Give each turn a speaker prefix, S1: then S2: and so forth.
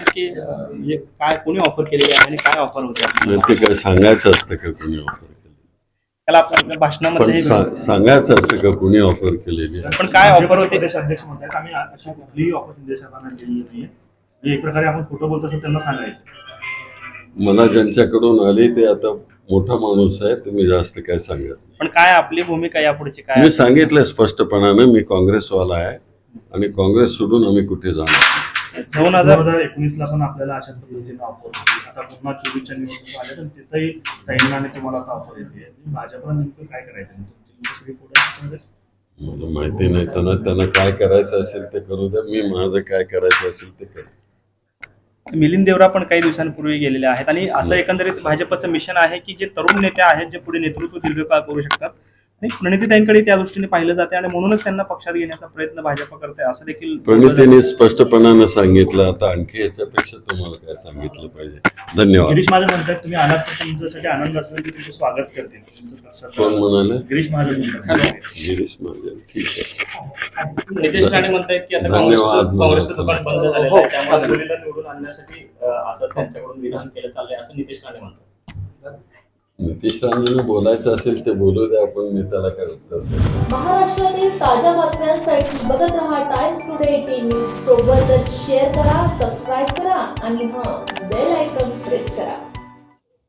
S1: नक्की म्हणजे काय कोणी ऑफर केलेली आहे आणि काय ऑफर होते
S2: नाही, ते काय सांगायचं असतं का कोणी ऑफर केली?
S1: त्याला आपण भाषणामध्ये
S2: सांगायचं असतं का कोणी ऑफर केलेली आहे?
S1: पण काय ऑफर होते?
S3: प्रदेश अध्यक्ष म्हणतात आम्ही अशा कुठलीही ऑफर शिंदे साहेबांना दिलेली नाहीये. म्हणजे एक प्रकारे आपण खोटं बोलतो असं त्यांना सांगायचं.
S2: मला ज्यांच्याकडून आली ते आता मोठा माणूस आहे, तुम्ही जास्त काय सांगत नाही.
S1: पण काय आपली भूमिका यापुढची काय?
S2: मी सांगितलं स्पष्टपणानं, मी काँग्रेसवाला आहे आणि काँग्रेस सोडून आम्ही कुठे जाणार.
S3: 2019ला पण आपल्याला अशाच पद्धतीने ऑफर होती. आता पुन्हा 24च्या निवडणूक आल्या तर तिथंही ताईंना आणि तुम्हाला आता ऑफर येते. भाजपला नेमकं काय करायचं? तुमची सगळी फोटो
S2: मला माहिती नाही, त्यांना काय करायचं असेल ते करू द्या, मी माझं काय करायचं असेल ते करू.
S1: मिलिंद देवरा पण काही दिवसांपूर्वी गेलेले आहेत आणि असं एकंदरीत भाजपचं मिशन आहे की जे तरुण नेते आहेत जे पुढे नेतृत्व दीर्घकाळ करू शकतात आणि प्रणितीताईंकडे त्या दृष्टीने पाहिलं जाते आणि म्हणूनच त्यांना पक्षात घेण्याचा प्रयत्न भाजप करते असं देखील
S2: प्रणितीने स्पष्टपणानं सांगितलं. आता आणखी याच्यापेक्षा तुम्हाला काय सांगितलं पाहिजे? धन्यवाद.
S3: गिरीश महाजन म्हणतात तुम्ही आलात तर तुमच्यासाठी आनंद असला की तुमचं स्वागत करतील.
S2: कोण म्हणाले?
S3: गिरीश महाजन म्हणतात.
S2: गिरीश महाजन, ठीक आहे.
S1: नितेश राणे म्हणतायत की आता
S2: धन्यवाद.
S1: काँग्रेसचं दुकान बंद झालेलं आहे त्यामुळे मुलीला निवडून आणण्यासाठी असं त्यांच्याकडून विधान केलं चाललंय असं नितेश राणे म्हणतात.
S2: नितीश राणेंना बोलायचं असेल ते बोलू द्या, आपण मी त्याला काय उत्तर देऊ.
S4: महाराष्ट्रातील ताज्या बातम्यांसाठी बघत रहा टाइम्स टुडे 18 न्यूज. सोबतच शेअर करा, सबस्क्राईब करा आणि बेल आयकॉन प्रेस करा.